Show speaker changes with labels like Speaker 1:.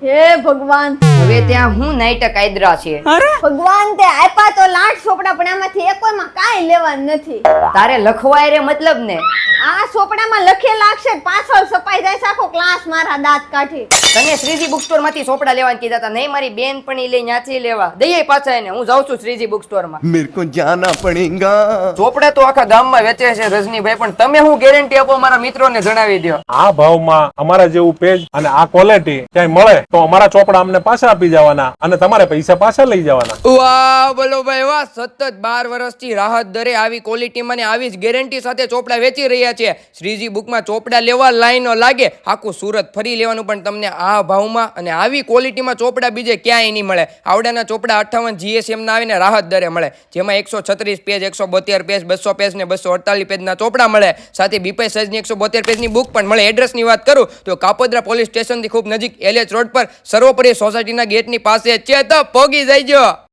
Speaker 1: હે ભગવાન,
Speaker 2: હવે ત્યાં હું નાઈટ કાયદરા છે.
Speaker 1: ભગવાન તે આપ્યા તો લાખ ચોપડા, પણ આમાંથી એકોયમાં કાંઈ લેવાનું નથી.
Speaker 2: તારે લખવાય રે મતલબ ને.
Speaker 1: આ ચોપડામાં લખેલા અક્ષર પાછળ છપાઈ જાય છે, આખો ક્લાસ મારા દાંત કાઢી.
Speaker 2: તને શ્રીજી બુક સ્ટોર માંથી ચોપડા લેવાનું કીધા હતા. નહીં, મારી બેન પણ લઈ ત્યાંથી લેવા દઈએ પાછા એને. હું જાઉં છું શ્રીજી બુક સ્ટોર માં.
Speaker 3: मेरे को जाना पड़ेगा.
Speaker 2: ચોપડા તો આખા ગામમાં વેચે છે રજનીભાઈ, પણ તમે હું ગેરંટી આપો મારા મિત્રોને જણાવી દો.
Speaker 4: આ ભાવમાં અમારા જેવું પેજ અને આ ક્વોલિટી ક્યાંય મળે તો અમારા ચોપડા અમને પાછા આપી જવાના અને તમારે પૈસા પાછા લઈ જવાના.
Speaker 2: વાહ બોલો ભાઈ વાહ. સતત 12 વર્ષથી રાહત દરે આવી ક્વોલિટીમાં ને આવી જ ગેરંટી સાથે ચોપડા વેચી રહ્યા છે. શ્રીજી બુકમાં ચોપડા લેવા લાઈનો લાગે, આખું સુરત ફરી લેવાનું, પણ તમને આ ભાવમાં અને આવી ક્વોલિટીમાં ચોપડા બીજે ક્યાંય નહીં મળે. આવડાના ચોપડા 58 GSM ના આવીને રાહત દરે મળે, જેમાં 136 પેજ, 172 પેજ, 200 પેજ ને 248 પેજના ચોપડા મળે. સાથે બીપાઈ સાઈઝની 172 પેજની બુક પણ મળે. એડ્રેસની વાત કરું તો કાપોદ્રા પોલીસ સ્ટેશનથી ખૂબ નજીક LH રોડ પર સર્વોપરી સોસાયટીના ગેટની પાસે છે, તો પોગી જઈજો.